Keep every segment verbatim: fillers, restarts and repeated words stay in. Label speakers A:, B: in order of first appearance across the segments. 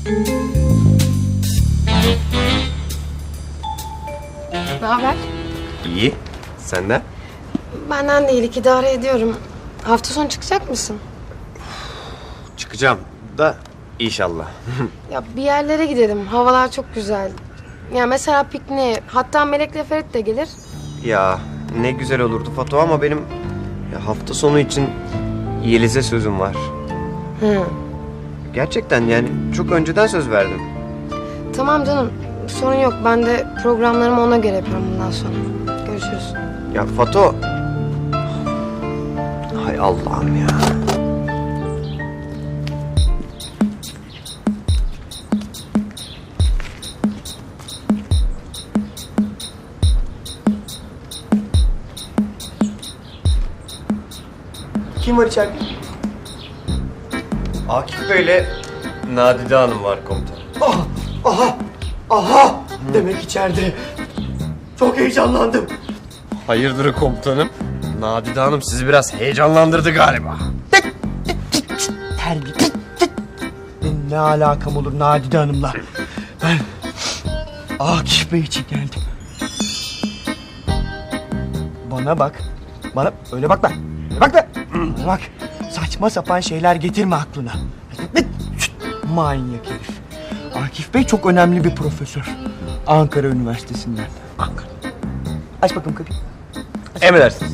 A: Ne haber?
B: İyi. Senden?
A: Benden değil, idare ediyorum. Hafta sonu çıkacak mısın?
B: Çıkacağım da inşallah.
A: Ya bir yerlere gidelim. Havalar çok güzel. Ya mesela pikniğe. Hatta Melek'le Ferit de gelir.
B: Ya ne güzel olurdu Fatu ama benim ya hafta sonu için Yeliz'e sözüm var.
A: Hı.
B: Gerçekten yani çok önceden söz verdim.
A: Tamam canım. Sorun yok. Ben de programlarımı ona göre yapıyorum bundan sonra. Görüşürüz.
B: Ya Fatu. Hay Allah'ım ya.
C: Kim var içeride?
B: Akif Bey'le Nadide Hanım var komutanım.
C: Ah, aha, aha. Demek içeride. Çok heyecanlandım.
B: Hayırdır komutanım? Nadide Hanım sizi biraz heyecanlandırdı galiba.
C: Terbiye. Benim ne alakam olur Nadide Hanım'la? Ben Akif Bey için geldim. Bana bak. Bana öyle bakma. Öyle bakma. Bana bak. Saçma sapan şeyler getirme aklına. Manyak herif. Akif Bey çok önemli bir profesör. Ankara Üniversitesi'nden. Ankara. Aç bakalım kapıyı.
B: Emredersiniz.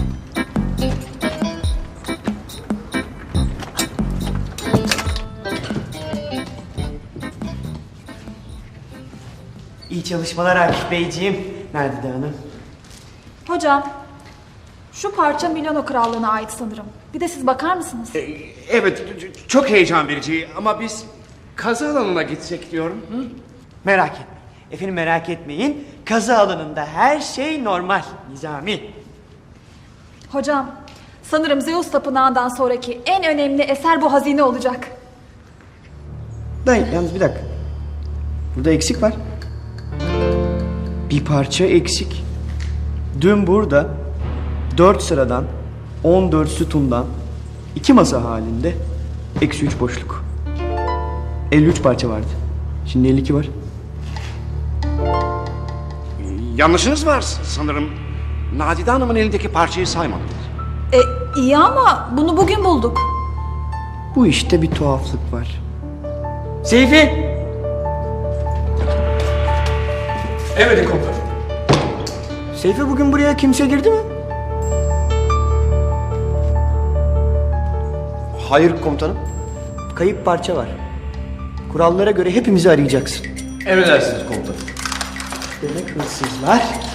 C: İyi çalışmalar Akif Beyciğim. Nadide Hanım.
D: Hocam, şu parça Milano Krallığı'na ait sanırım. Bir de siz bakar mısınız?
E: Evet, ç- çok heyecan verici ama biz kazı alanına gitsek diyorum. Hı?
C: Merak etmeyin. Efendim merak etmeyin. Kazı alanında her şey normal. Nizami.
D: Hocam, sanırım Zeus Tapınağı'ndan sonraki en önemli eser bu hazine olacak.
C: Dayı yalnız bir dakika. Burada eksik var. Bir parça eksik. Dün burada dört sıradan on dört sütundan iki masa halinde eksi üç boşluk. elli üç parça vardı. Şimdi elli iki var.
E: Yanlışınız var sanırım. Nadide Hanım'ın elindeki parçayı saymadınız.
D: E, iyi ama bunu bugün bulduk.
C: Bu işte bir tuhaflık var. Seyfi!
E: Evet komutanım.
C: Seyfi bugün buraya kimse girdi mi?
B: Hayır komutanım.
C: Kayıp parça var. Kurallara göre hepimizi arayacaksın.
B: Emredersiniz komutanım.
C: Demek hırsızlar